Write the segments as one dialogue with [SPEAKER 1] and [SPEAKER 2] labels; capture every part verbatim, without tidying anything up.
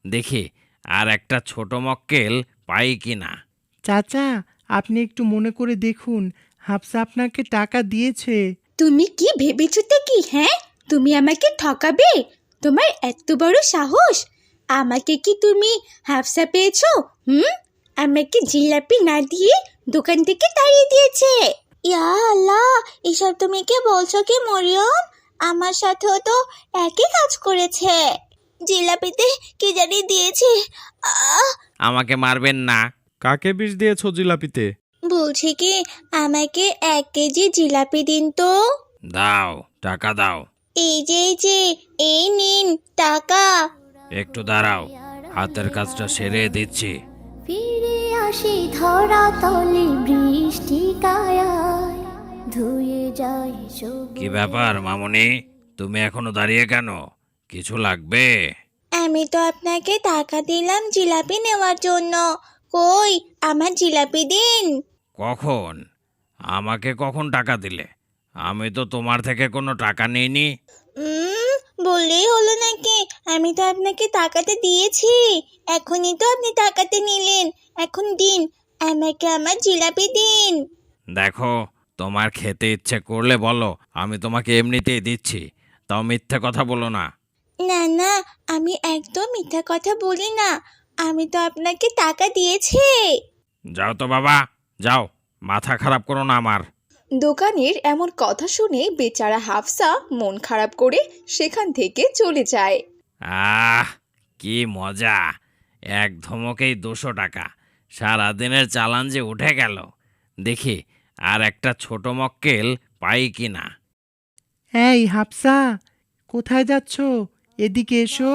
[SPEAKER 1] দেখি আর একটা ছোট মক্কেল পাই কিনা।
[SPEAKER 2] চাচা, আপনি একটু মনে করে দেখুন, হাফসা আপনাকে টাকা দিয়েছে।
[SPEAKER 3] তুমি কি ভেবেছো তে কি? হ্যাঁ, তুমি আমাকে ঠকাবে? তোমার এত বড় সাহস! আমাকে কি তুমি হাফসা পেয়েছো? হুম, আমাকে জিলাপি না দিয়ে দোকান থেকে তাড়িয়ে দিয়েছে। ইয়া আল্লাহ, এসব তুমি কি বলছো কি মরিয়ম? আমার সাথেও তো একই কাজ করেছে। জিলাপিতে কি জানি দিয়েছে। আহ
[SPEAKER 1] আমাকে মারবেন না।
[SPEAKER 4] কাকে বিষ দিয়েছো জিলাপিতে?
[SPEAKER 3] বলছি কি, আমাকে এক কেজি জিলাপি দিন তো।
[SPEAKER 1] দাও, টাকা দাও।
[SPEAKER 3] এই যে এই যে এই নিন টাকা।
[SPEAKER 1] একটু দাঁড়াও, হাতের কাজটা সেরে দিচ্ছি।
[SPEAKER 5] ফিরে আসি ধরা তলে বৃষ্টি কায়ায় ধুয়ে যায় সবুজ।
[SPEAKER 1] কি ব্যাপার মামুনি, তুমি এখনো দাঁড়িয়ে কেন? কিছু লাগবে?
[SPEAKER 3] আমি তো আপনাকে টাকা দিলাম জিলাপি নেওয়ার জন্য। কই আমার জিলাপি দিন।
[SPEAKER 1] কখন? আমাকে কখন টাকা দিলে? আমি তো তোমার থেকে কোনো টাকা নিইনি।
[SPEAKER 3] উম বললেই হলো নাকি? আমি তো আপনাকে টাকাতে দিয়েছি। এখনই তো আপনি টাকাতে নিলেন। এখন দিন, আমাকে আমার জিলাপি দিন।
[SPEAKER 1] দেখো, তোমার খেতে ইচ্ছে করলে বলো, আমি তোমাকে এমনিতেই দিচ্ছি। তাও মিথ্যে কথা বলো না।
[SPEAKER 3] না না, আমি একদম মিথ্যা কথা বলি না। আমি তো আপনাকে টাকা দিয়েছি।
[SPEAKER 1] যাও তো বাবা, যাও, মাথা খারাপ করো না আমার।
[SPEAKER 6] দোকানের এমন কথা শুনে বেচারা হাফসা মন খারাপ করে সেখান থেকে চলে যায়।
[SPEAKER 1] আহ, কি মজা! এক ধমকেই দুশো টাকা। সারাদিনের চালান যে উঠে গেল। দেখি আর একটা ছোট মক্কেল পাই কিনা।
[SPEAKER 2] এই হাফসা, কোথায় যাচ্ছ? এদিকে এসো।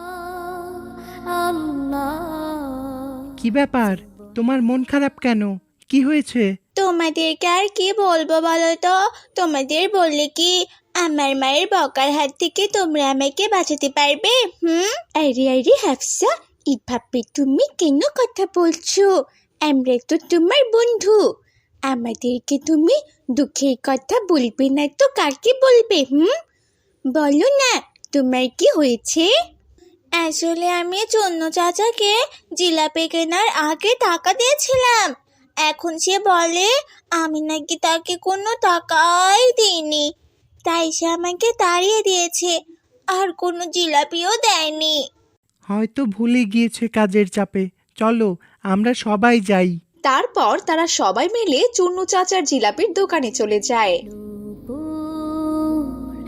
[SPEAKER 5] আল্লাহ
[SPEAKER 2] কি ব্যাপার, তোমার মন খারাপ কেন? কি হয়েছে?
[SPEAKER 3] তোমাদেরকে আর কি বলবো বলো তো? তোমাদের বললে কি আমার মায়ের বকার হাত থেকে তোমরা আমাকে বাঁচাতে পারবে? হুম? আরে আরে হাফসা, এভাবে তুমি কেন কথা বলছো? আমরা তো তোমার বন্ধু। আমাদেরকে তুমি দুঃখের কথা বলবে না তো কাকে বলবে? হুম, বলো না, তোমার কি হয়েছে? আসলে আমি চন্ন চাচাকে জিলাপি কেনার আগে টাকা দিয়েছিলাম। এখন সে বলে আমি নাকি তাকে কোনো টাকাই দিইনি, তাই সে আমাকে তাড়িয়ে দিয়েছে, আর কোনো জিলাপিও দেয়নি।
[SPEAKER 2] হয়তো ভুলে গিয়েছে কাজের চাপে। চলো, আমরা সবাই যাই।
[SPEAKER 6] তারপর তারা সবাই মিলে চুন্নু চাচার জিলাপির দোকানে চলে যায়।
[SPEAKER 5] দুপুর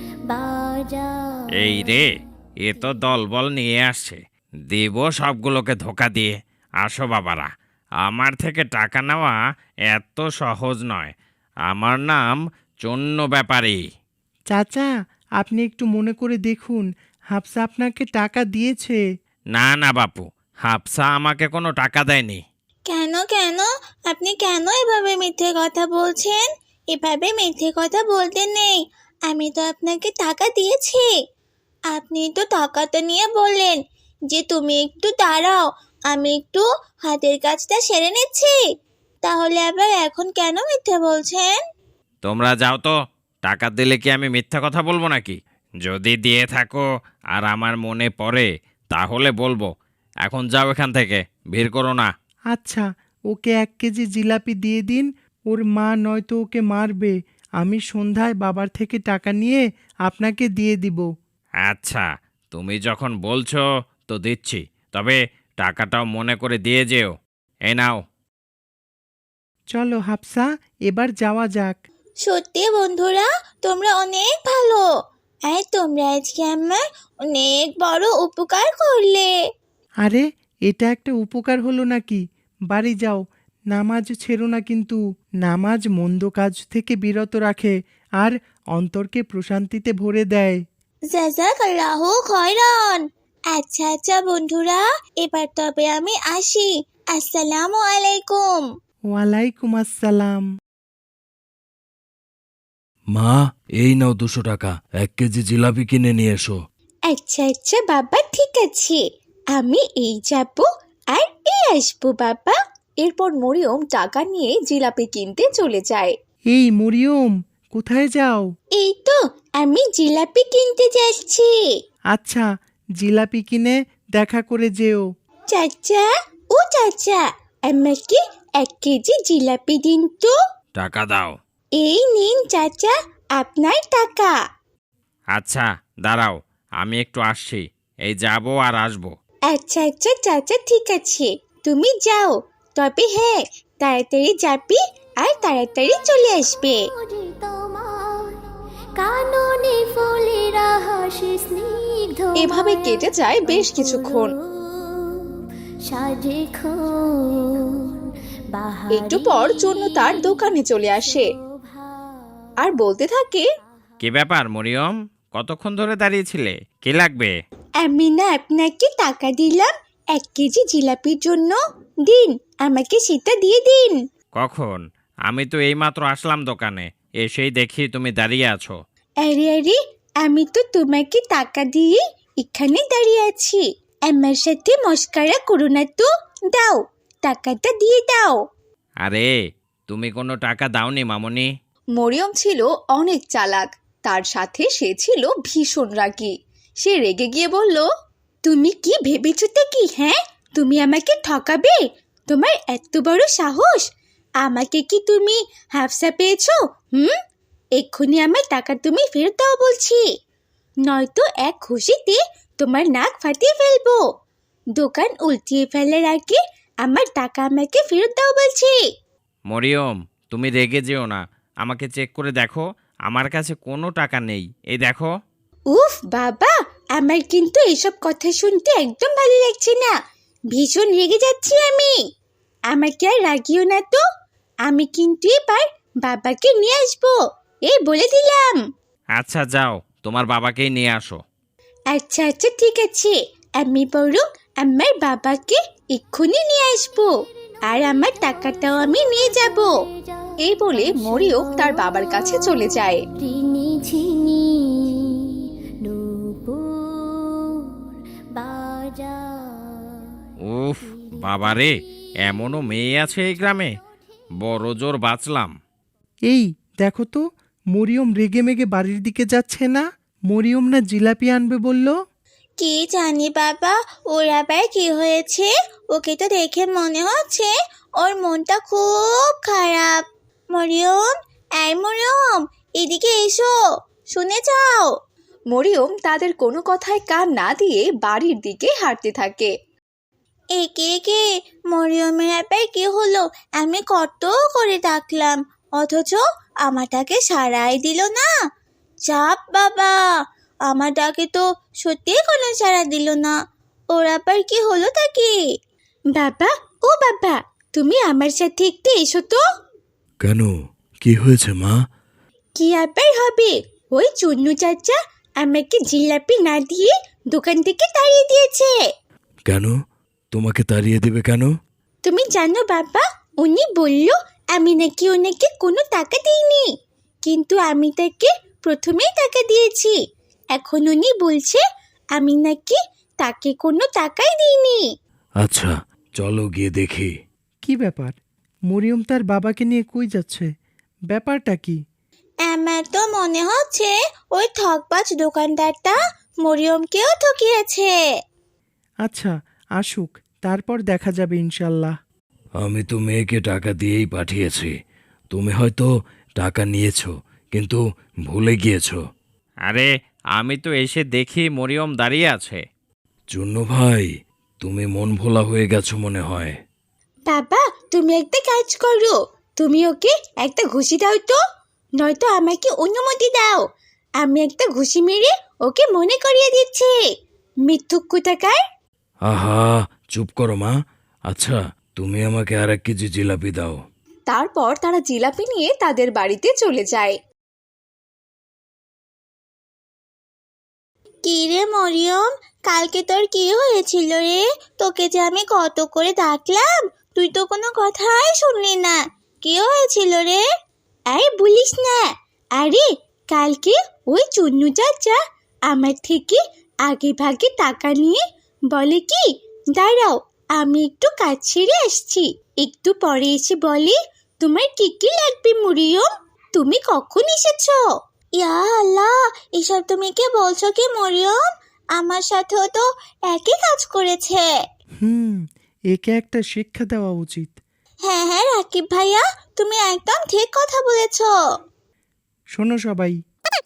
[SPEAKER 5] বাজার
[SPEAKER 1] এই রে, এ তো দলবল নিয়ে আসছে। দেব সবগুলোকে ধোকা দিয়ে। আসো বাবারা, আমার থেকে টাকা নেওয়া এত সহজ নয়। আমার নাম চন্ন ব্যাপারী।
[SPEAKER 2] চাচা, আপনি একটু মনে করে দেখুন, হাফসা আপনাকে টাকা দিয়েছে।
[SPEAKER 1] না না বাপু, হাফসা আমাকে কোনো টাকা দেয়নি।
[SPEAKER 3] কেন কেন? আপনি কেন এভাবে মিথ্যে কথা বলছেন? এভাবে মিথ্যে কথা বলতে নেই। আমি তো আপনাকে টাকা দিয়েছি। আপনি তো টাকাটা নিয়ে বললেন যে তুমি একটু দাঁড়াও, আমি একটু হাতের কাজটা সেরে নিচ্ছি। তাহলে আবার এখন কেন মিথ্যে বলছেন?
[SPEAKER 1] তোমরা যাও তো, টাকা দিলে কি আমি মিথ্যা কথা বলবো নাকি? যদি দিয়ে থাকো আর আমার মনে পড়ে তাহলে বলবো। এখন যাও এখান থেকে, ভিড় করো না।
[SPEAKER 2] আচ্ছা, ওকে এক কেজি জিলাপি দিয়ে দিন। ওর মা নয়তো ওকে মারবে। আমি সন্ধ্যায় বাবার থেকে টাকা নিয়ে আপনাকে দিয়ে দিব।
[SPEAKER 1] আচ্ছা, তুমি যখন বলছো তো দিচ্ছি, তবে টাকাটাও মনে করে দিয়ে যেও। এই নাও।
[SPEAKER 2] চলো হাফসা, এবার যাওয়া যাক।
[SPEAKER 3] সত্যি বন্ধুরা, তোমরা অনেক ভালো। আর তোমরা আজকে আমার অনেক বড় উপকার করলে।
[SPEAKER 2] আরে, এটা একটা উপকার হলো নাকি? বাড়ি যাও, নামাজ ছেড়ো না কিন্তু। নামাজ মন্দ কাজ থেকে বিরত রাখে আর অন্তরকে প্রশান্তিতে ভরে দেয়।
[SPEAKER 3] জাযাকাল্লাহু খায়রান। আচ্ছা আচ্ছা বন্ধুরা, এবার তবে আমি আসি। আসসালামু আলাইকুম।
[SPEAKER 2] ওয়ালাইকুম আসসালাম।
[SPEAKER 7] মা, এই নাও দুশো টাকা, এক কেজি জিলাপি কিনে নিয়ে এসো।
[SPEAKER 3] আচ্ছা আচ্ছা বাবা, ঠিক আছে, আমি এই যাব আর এই আসবো বাবা।
[SPEAKER 6] এরপর মরিয়ম টাকা নিয়ে জিলাপি কিনতে চলে যায়।
[SPEAKER 2] এই মরিয়ম, কোথায় যাও?
[SPEAKER 3] এই তো আমি জিলাপি কিনতে যাচ্ছি।
[SPEAKER 2] আচ্ছা, জিলাপি কিনে দেখা করে যেও।
[SPEAKER 3] চাচা, ও চাচা, আমাকে এক কেজি জিলাপি দিন তো।
[SPEAKER 1] টাকা দাও।
[SPEAKER 3] এই নিন চাচা, আপনার টাকা।
[SPEAKER 1] আচ্ছা দাঁড়াও, আমি একটু আসছি, এই যাবো আর আসবো।
[SPEAKER 3] আচ্ছা আচ্ছা চাচা, ঠিক আছে, তুমি যাও, তবে হ্যাঁ তাড়াতাড়ি যাবি আর তাড়াতাড়ি চলে আসবে।
[SPEAKER 5] ওরে তোমার কাননে ফুলেরা হাসি স্নিগ্ধ
[SPEAKER 6] এভাবে কেটে যায় বেশ কিছুক্ষণ।
[SPEAKER 5] সাজে
[SPEAKER 6] একটু পর জন্য তার দোকানে চলে আসে আর বলতে থাকে,
[SPEAKER 1] কি ব্যাপার মরিয়ম, কতক্ষণ ধরে দাঁড়িয়েছিলে? কি লাগবে?
[SPEAKER 3] আমি না আপনাকে টাকা দিলাম এক কেজি জিলাপির জন্য, দিন আমাকে সেটা দিয়ে দিন।
[SPEAKER 1] কখন? আমি তো এইমাত্র আসলাম দোকানে, এসেই দেখি তুমি দাঁড়িয়ে আছো।
[SPEAKER 3] আরে আরে, আমি তো তোমাকে টাকা দিয়ে এখানে দাঁড়িয়ে আছি, আমার সাথে মস্কারা করো না তো, দাও টাকাটা দিয়ে দাও।
[SPEAKER 1] আরে তুমি কোনো টাকা দাওনি মামুনি।
[SPEAKER 6] মরিয়ম ছিল অনেক চালাক, তার সাথে সে ছিল ভীষণ রাগী। সে রেগে গিয়ে বলল,
[SPEAKER 3] তুমি কি ভেবেছো তা কি? হ্যাঁ, তুমি আমাকে ঠকাবে? তোমার এত বড় সাহস! আমাকে কি তুমি হাফসা পেয়েছো? হুম, এক্ষুনি আমার টাকা তুমি ফেরত দাও বলছি, নয়তো এক খুশিতে তোমার নাক ফাটিয়ে ফেলবো। দোকান উল্টিয়ে ফেলার আগে আমার টাকা আমাকে ফেরত দাও বলছি।
[SPEAKER 1] মরিয়ম তুমি রেগে যেও না, আমাকে চেক করে দেখো, আমার কাছে কোনো টাকা নেই, এই দেখো।
[SPEAKER 3] উফ বাবা, আমার কিন্তু এসব কথা শুনতে একদম ভালো লাগছে না, ভীষণ রেগে যাচ্ছি আমি। আমাকে আর রাগিও না তো, আমি কিন্তু এবার বাবাকে নিয়ে আসবো, এই বলে দিলাম।
[SPEAKER 1] আচ্ছা যাও, তোমার বাবাকেই নিয়ে আসো।
[SPEAKER 3] আচ্ছা আচ্ছা ঠিক আছে, আমি বরং আমার বাবাকে এক্ষুনি নিয়ে আসবো, আর আমার টাকাটাও আমি নিয়ে যাব।
[SPEAKER 6] এই বলে মরিয়ম তার বাবার কাছে চলে যায়।
[SPEAKER 5] রিনি ঝিনি নূপুর বাজার।
[SPEAKER 1] উফ বাবারে, এমনও মেয়ে আছে এই গ্রামে, বড় জোর বাঁচলাম।
[SPEAKER 2] এই দেখো তো, মরিয়ম রেগে মেগে বাড়ির দিকে যাচ্ছে না? মরিয়ম না জিলাপি আনবে বলল?
[SPEAKER 3] কি জানি বাবা, ওর আবার কি হয়েছে? ওকে তো দেখে মনে হচ্ছে ওর মনটা খুব খারাপ। মরিয়ম, এই মরিয়ম, এদিকে এসো, শুনে যাও।
[SPEAKER 6] মরিয়ম তাদের কোনো কথায় কান না দিয়ে বাড়ির দিকে হাঁটতে থাকে।
[SPEAKER 3] একে একে মরিয়মের আবার কি হলো? আমি কত করে ডাকলাম, অথচ আমার ডাকে সাড়াই দিল না। চাপ বাবা, আমার ডাকে তো সত্যিই কোনো সাড়া দিল না। ওর আবার কি হলো তাকে? বাবা, ও বাবা, তুমি আমার সাথে একটু এসো তো।
[SPEAKER 7] কেন, কি হয়েছে মা?
[SPEAKER 3] কি আবার হবে, ওই চুন্নু চাচা আমাকে জিলাপি না দিয়ে দোকান থেকে তাড়িয়ে দিয়েছে।
[SPEAKER 7] কেন, তোমাকে তাড়িয়ে দেবে কেন?
[SPEAKER 3] তুমি জানো বাবা, উনি বলল আমি নাকি ওনাকে কোনো টাকা দিইনি, কিন্তু আমি তাকে প্রথমেই টাকা দিয়েছি। এখন উনি বলছে আমি নাকি তাকে কোনো টাকাই দিইনি।
[SPEAKER 7] আচ্ছা চলো গিয়ে দেখি।
[SPEAKER 2] কি ব্যাপার, মরিয়ম তার বাবাকে নিয়ে কই যাচ্ছে? ব্যাপারটা কি?
[SPEAKER 3] আমার তো মনে হচ্ছে ওই ঠকবাজ দোকানদারটা মরিয়মকেও ঠকিয়েছে।
[SPEAKER 2] আচ্ছা আসুক, তারপর দেখা যাবে ইনশাল্লাহ।
[SPEAKER 7] আমি তো মেয়েকে টাকা দিয়েই পাঠিয়েছি, তুমি হয়তো টাকা নিয়েছো কিন্তু ভুলে গিয়েছো।
[SPEAKER 1] আরে আমি তো এসে দেখি মরিয়ম দাঁড়িয়ে আছে।
[SPEAKER 7] চুন্নু ভাই, তুমি মন ভোলা হয়ে গেছো মনে হয়।
[SPEAKER 3] বাবা, তুমি একটা কাজ করো, তুমি ওকে একটা ঘুষি দাও তো, নয়তো আমাকে অনুমতি দাও, আমি একটা ঘুষি মেরে ওকে মনে করিয়ে দিচ্ছি। মিথ্যুক কোথাকার।
[SPEAKER 7] আহা চুপ করো মা। আচ্ছা তুমি আমাকে আর এক কেজি জিলাপি দাও।
[SPEAKER 6] তারপর তারা জিলাপি নিয়ে তাদের বাড়িতে চলে যায়।
[SPEAKER 3] কি রে মরিয়ম, কালকে তোর কি হয়েছিল রে? তোকে যে আমি কত করে ডাকলাম, তুই তো কোনো কথাই শুনলি না। কি হয়েছিল রে? আরে বলিস না। আরে কালকে ওই চুন্নু চাচা আমার থেকে আগে ভাগে টাকা নিয়ে বলে কি, দাঁড়াও আমি একটু কাজ ছেড়ে আসছি, একটু পরে এসে বলে তোমার কি কি লাগবে মরিয়ম, তুমি কখন এসেছো? ইয়া আল্লাহ, এসব তুমি কে বলছো কি মরিয়ম? আমার সাথেও তো একই কাজ করেছে।
[SPEAKER 2] হুম, একে একটা শিক্ষা দেওয়া উচিত।
[SPEAKER 3] হ্যাঁ হ্যাঁ রাকিব ভাইয়া, তুমি একদম ঠিক কথা বলেছো।
[SPEAKER 2] শোনো সবাই,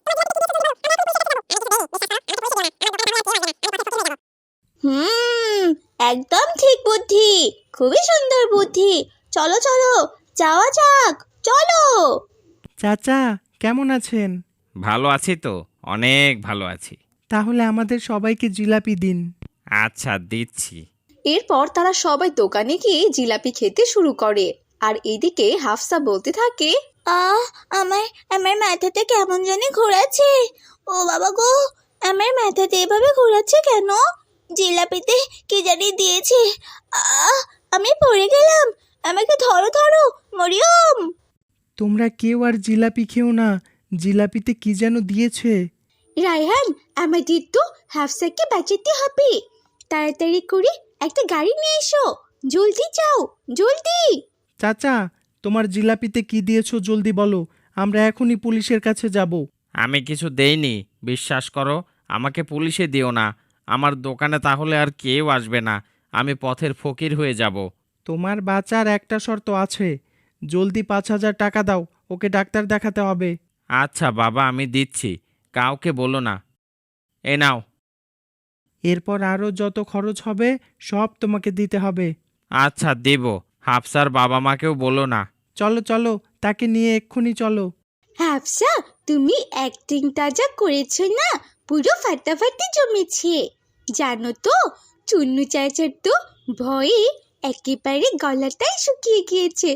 [SPEAKER 3] হুম, একদম ঠিক বুদ্ধি, খুবই সুন্দর বুদ্ধি। চলো চলো, যাওয়া যাক, চলো।
[SPEAKER 2] চাচা কেমন আছেন?
[SPEAKER 1] ভালো আছি তো, অনেক ভালো আছি।
[SPEAKER 2] তাহলে আমাদের সবাইকে জিলাপি দিন।
[SPEAKER 1] আচ্ছা, দিচ্ছি।
[SPEAKER 6] এরপর তারা সবাই দোকানে গিয়ে জিলাপি খেতে শুরু করে। আর এদিকে হাফসা বলতে থাকে,
[SPEAKER 3] আহ আমার আমার মাথাটা কেমন জানি ঘোরাচ্ছে। ও বাবা গো, আমার মাথাতে এভাবে ঘোরাচ্ছে কেন? জিলাপিতে কি জানি দিয়েছে। আহ আমি পড়ে গেলাম, আমাকে ধরো ধরো, মরিয়ম।
[SPEAKER 2] তোমরা কেউ আর জিলাপি খেও না, জিলাপিতে কি যেন দিয়েছে।
[SPEAKER 3] রায়হান, আমাদের তো হাফসাকে বাঁচাতে হবে। তাড়াতাড়ি করে একটা গাড়ি নিয়ে এসো, জলদি যাও, জলদি।
[SPEAKER 2] চাচা, তোমার জিলাপিতে কি দিয়েছো জলদি বলো, আমরা এখনই পুলিশের কাছে যাব।
[SPEAKER 1] আমি কিছু দেইনি, বিশ্বাস করো। আমাকে পুলিশে দিও না। আমার দোকানে তাহলে আর কেউ আসবে না, আমি পথের ফকির হয়ে যাব।
[SPEAKER 2] তোমার বাঁচার একটা শর্ত আছে, জলদি পাঁচ হাজার টাকা দাও, ওকে ডাক্তার দেখাতে হবে।
[SPEAKER 1] আচ্ছা বাবা, আমি দিচ্ছি, কাউকে বলো না। এ নাও।
[SPEAKER 2] এরপর আরও যত খরচ হবে সব তোমাকে দিতে হবে।
[SPEAKER 1] আচ্ছা, দেব। হাফসার বাবা মাকেও বলো না।
[SPEAKER 2] চলো চলো, তাকে নিয়ে এক্ষুনি চলো।
[SPEAKER 3] হাফসা, তুমি অ্যাক্টিংটা যা করেছো না, পুরো ফাটাফাটি জমেছে। জানো তো, চুন্নু চাচার তো ভয়ে একেবারে গলাটাই শুকিয়ে গিয়েছে।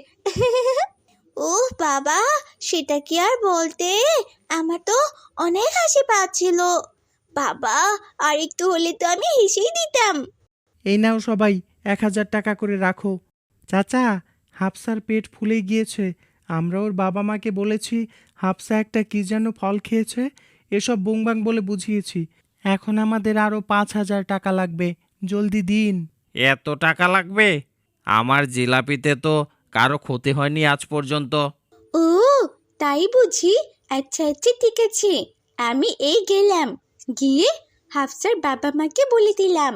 [SPEAKER 3] ওহ বাবা, সেটা কি আর বলতে, আমার তো অনেক হাসি পাচ্ছিল। বাবা, আর একটু হলে তো আমি হেসেই দিতাম।
[SPEAKER 2] এই নাও সবাই, এক হাজার টাকা করে রাখো। চাচা, হাফসার পেট ফুলে গিয়েছে, আমরা ওর বাবা মাকে বলেছি হাফসা একটা কি যেন ফল খেয়েছে, এসব বুংবাং বলে বুঝিয়েছি। এখন আমাদের আরও পাঁচ হাজার টাকা লাগবে, জলদি দিন।
[SPEAKER 1] এত টাকা লাগবে? আমার জিলাপিতে তো কারো ক্ষতি হয়নি আজ পর্যন্ত।
[SPEAKER 3] ও তাই বুঝি? আচ্ছা আচ্ছা ঠিক আছে, আমি এই গেলাম, গিয়ে হাফসার বাবা মাকে বলে দিলাম।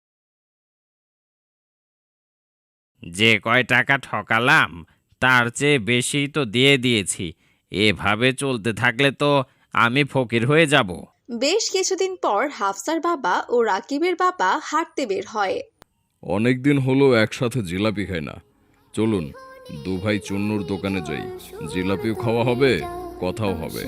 [SPEAKER 1] যে কয় টাকা ঠকালাম তার চেয়ে বেশি তো দিয়ে দিয়েছি। এভাবে চলতে থাকলে তো আমি ফকির হয়ে যাব।
[SPEAKER 6] বেশ কিছুদিন পর হাফসার বাবা ও রাকিবের বাবা হাঁটতে বের হয়।
[SPEAKER 7] অনেক দিন হলো একসাথে জিলাপি খাই না। চলুন দু ভাই চুন্নুর দোকানে যাই, জিলাপিও খাওয়া হবে, কথাও হবে।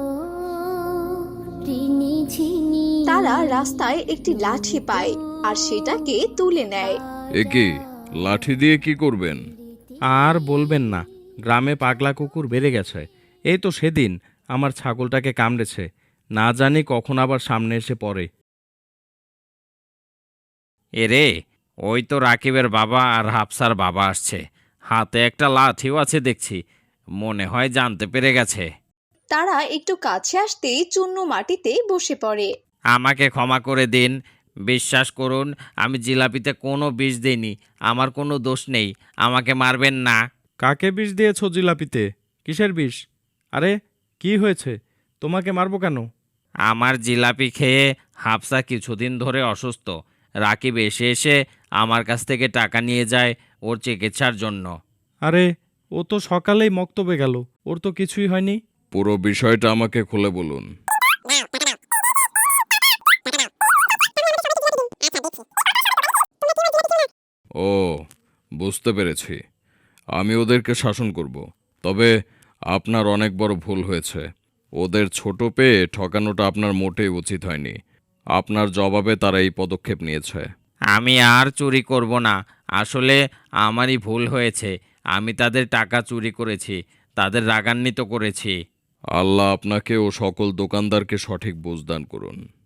[SPEAKER 6] তারা রাস্তায় একটি লাঠি পায় আর সেটাকে তুলে নেয়।
[SPEAKER 7] এ কি, লাঠি দিয়ে কি করবেন?
[SPEAKER 4] আর বলবেন না, গ্রামে পাগলা কুকুর বেড়ে গেছে। এই তো সেদিন আমার ছাগলটাকে কামড়েছে, না জানি কখন আবার সামনে এসে পড়ে।
[SPEAKER 1] এরে, ওই তো রাকিবের বাবা আর হাফসার বাবা আসছে, হাতে একটা লাঠিও আছে দেখছি। মনে হয় জানতে পেরে গেছে।
[SPEAKER 6] তারা একটু কাছে আসতেই চুন্নু মাটিতে বসে পড়ে।
[SPEAKER 1] আমাকে ক্ষমা করে দিন, বিশ্বাস করুন আমি জিলাপিতে কোনো বিষ দিইনি, আমার কোনো দোষ নেই, আমাকে মারবেন না।
[SPEAKER 4] কাকে বিষ দিয়েছো জিলাপিতে? কিসের বিষ? আরে কি হয়েছে, তোমাকে মারবো কেন?
[SPEAKER 1] আমার জিলাপি খেয়ে হাফসা কিছুদিন ধরে অসুস্থ। রাকিব এসে এসে আমার কাছ থেকে টাকা নিয়ে যায় ওর চিকিৎসার জন্য।
[SPEAKER 4] আরে ও তো সকালেই মক্তবে গেল, ওর তো কিছুই হয়নি।
[SPEAKER 7] পুরো বিষয়টা আমাকে খুলে বলুন। ও, বুঝতে পেরেছি। আমি ওদেরকে শাসন করব। তবে আপনার অনেক বড় ভুল হয়েছে। ওদের ছোট পেয়ে ঠকানোটা আপনার মোটেই উচিত হয়নি। আপনার জবাবে তারা এই পদক্ষেপ নিয়েছে।
[SPEAKER 1] আমি আর চুরি করব না, আসলে আমারই ভুল হয়েছে। আমি তাদের টাকা চুরি করেছি, তাদের রাগান্বিত করেছি।
[SPEAKER 7] আল্লাহ আপনাকে ও সকল দোকানদারকে সঠিক বুঝদান করুন।